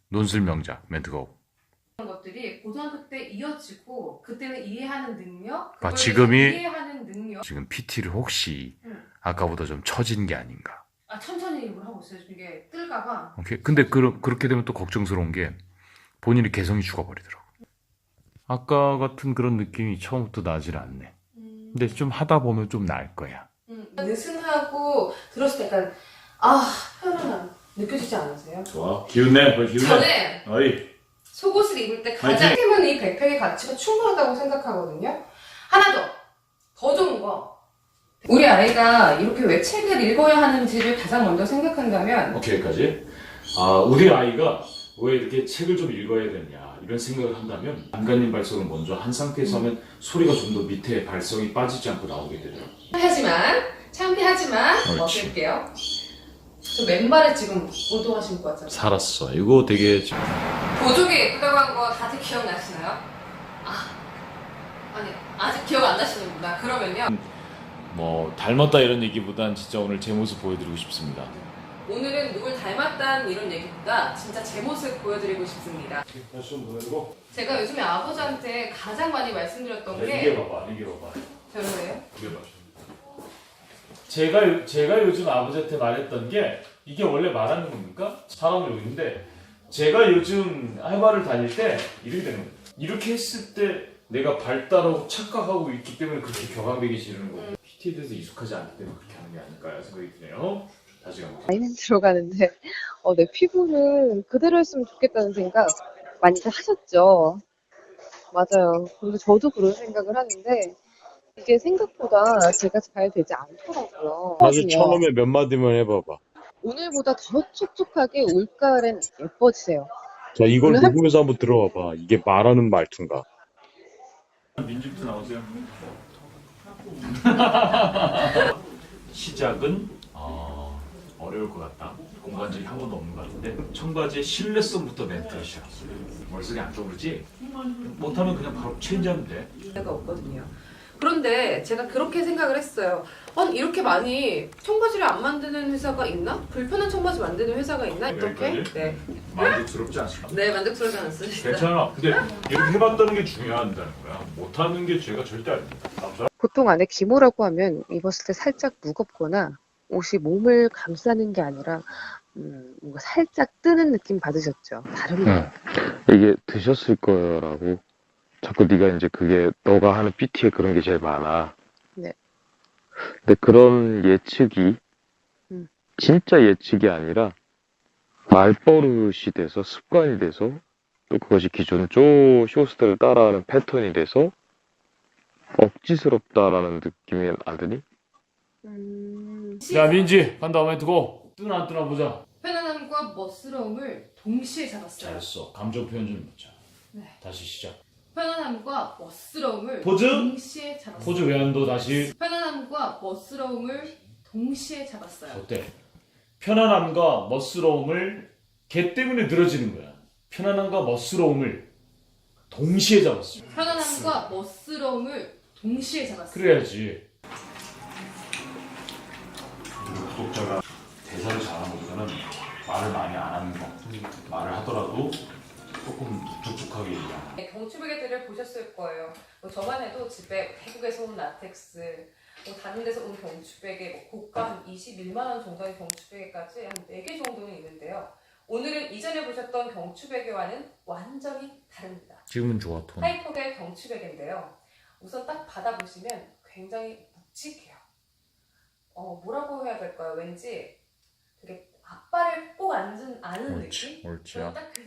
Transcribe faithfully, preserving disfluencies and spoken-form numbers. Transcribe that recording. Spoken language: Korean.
논술명작 멘트고. 그런 것들이 고등학교 때 이어지고 그때는 이해하는 능력, 아, 그걸 지금이 이해하는 능력. 지금 피티를 혹시 응. 아까보다 좀 처진 게 아닌가. 아, 천천히 일을 하고 있어요. 이게 뜰까봐. 오케이. 근데 그, 그렇게 되면 또 걱정스러운 게 본인이 개성이 죽어버리더라고. 아까 같은 그런 느낌이 처음부터 나질 않네. 음. 근데 좀 하다 보면 좀 나을 거야. 음. 느슨하고 들었을 때 약간 아, 편안함 느껴지지 않으세요? 좋아. 기운내. 기운내. 저는 어이. 속옷을 입을 때 가장 힘은 이 백팩의 가치가 충분하다고 생각하거든요. 하나 더, 더 좋은 거. 우리 아이가 이렇게 왜 책을 읽어야 하는지를 가장 먼저 생각한다면 오케이, 여기까지. 아, 우리 아이가 왜 이렇게 책을 좀 읽어야 되냐 이런 생각을 한다면 안간힘 발성을 먼저 한 상태에서 하면 소리가 좀 더 밑에 발성이 빠지지 않고 나오게 되더라고요. 하지만 창피하지만 옳지. 어떨게요? 저 맨발에 지금 오도가 신고 왔잖아요. 살았어. 이거 되게 좀... 보조개 예쁘다고 한 거 다들 기억나시나요? 아, 아니 아직 기억 안 나시는구나. 그러면요. 뭐 닮았다 이런 얘기보단 진짜 오늘 제 모습 보여드리고 싶습니다. 오늘은 누굴 닮았다는 이런 얘기보다 진짜 제 모습 보여드리고 싶습니다. 다시 좀 보내주고. 제가 요즘에 아버지한테 가장 많이 말씀드렸던 게 이게 봐봐, 이게 봐봐. 별로예요? 이게 봐. 제가 제가 요즘 아버지한테 말했던 게 이게 원래 말하는 겁니까? 사람 욕인데 제가 요즘 할머니를 다닐 때 이렇게 되는 거예요. 이렇게 했을 때 내가 발달하고 착각하고 있기 때문에 그렇게 격앙되기 지르는 거고 음. 피티에 대해서 익숙하지 않기 때문에 그렇게 하는 게 아닐까 생각이 드네요. 다시 한번. 많이는 들어가는데 어, 내 피부는 그대로 했으면 좋겠다는 생각 많이들 하셨죠. 맞아요. 그리고 저도 그런 생각을 하는데 이게 생각보다 제가 잘 되지 않더라고요. 다시 처음에 몇 마디만 해봐봐. 오늘보다 더 촉촉하게 올가을엔 예뻐지세요. 자, 이걸 오늘 할- 녹음해서 한번 들어봐봐. 이게 말하는 말투인가? 민주부터 나오세요. 시작은 어, 어려울 것 같다. 공부한 적이 한 번도 없는 것 같은데 청바지의 신뢰성부터 멘트를 시작했어요. 머릿속에 안 떠오르지? 못하면 그냥 바로 체인지하면 돼. 가 없거든요. 그런데 제가 그렇게 생각을 했어요. 아니 이렇게 많이 청바지를 안 만드는 회사가 있나? 불편한 청바지 만드는 회사가 있나? 이렇게? 여기까지? 네. 만족스럽지 않습니다. 네, 만족스럽지 않습니다. 괜찮아. 근데 이렇게 해봤다는 게 중요하다는 거야. 못하는 게 죄가 절대 아닙니다. 감사. 보통 안에 기모라고 하면 입었을 때 살짝 무겁거나 옷이 몸을 감싸는 게 아니라 음, 뭔가 살짝 뜨는 느낌 받으셨죠? 다릅니다. 이게 드셨을 거라고. 자꾸 네가 이제 그게 너가 하는 피티에 그런 게 제일 많아. 네. 근데 그런 예측이 음. 진짜 예측이 아니라 말버릇이 돼서 습관이 돼서 또 그것이 기존 쪼 쇼스들을 따라하는 패턴이 돼서 억지스럽다라는 느낌이 안 드니? 음... 야 민지 간다 멘트 고. 뜨나 안 뜨나 보자. 편안함과 멋스러움을 동시에 잡았어요. 잘했어. 감정 표현 좀 해보자. 네. 다시 시작. 편안함과 멋스러움을 포즈? 동시에 잡았어요. 포즈 왜 안 둬? 다시. 편안함과 멋스러움을 동시에 잡았어요. 어때? 편안함과 멋스러움을 걔 때문에 늘어지는 거야. 편안함과 멋스러움을 동시에 잡았어. 편안함과 멋스러움을 동시에 잡았어요. 그래야지. 구독자가 대사를 잘하는 것보다는 말을 많이 안 하는 거. 말을 하더라도 조금 묵직하게 얘기하는. 네, 경추베개들을 보셨을 거예요. 뭐 저만 해도 집에 태국에서 온 라텍스, 뭐 다른 데서 온 경추베개, 뭐 고가 한 이십일만 원 정도의 경추베개까지 한 네 개 정도는 있는데요. 오늘은 이전에 보셨던 경추베개와는 완전히 다릅니다. 지금은 좋아, 톤. 하이퍼의 경추베개인데요. 우선 딱 받아보시면 굉장히 묵직해요. 어, 뭐라고 해야 될까요? 왠지 되게 앞발을 꼭 앉은, 아는 옳지, 느낌? 옳지. 저는 딱 그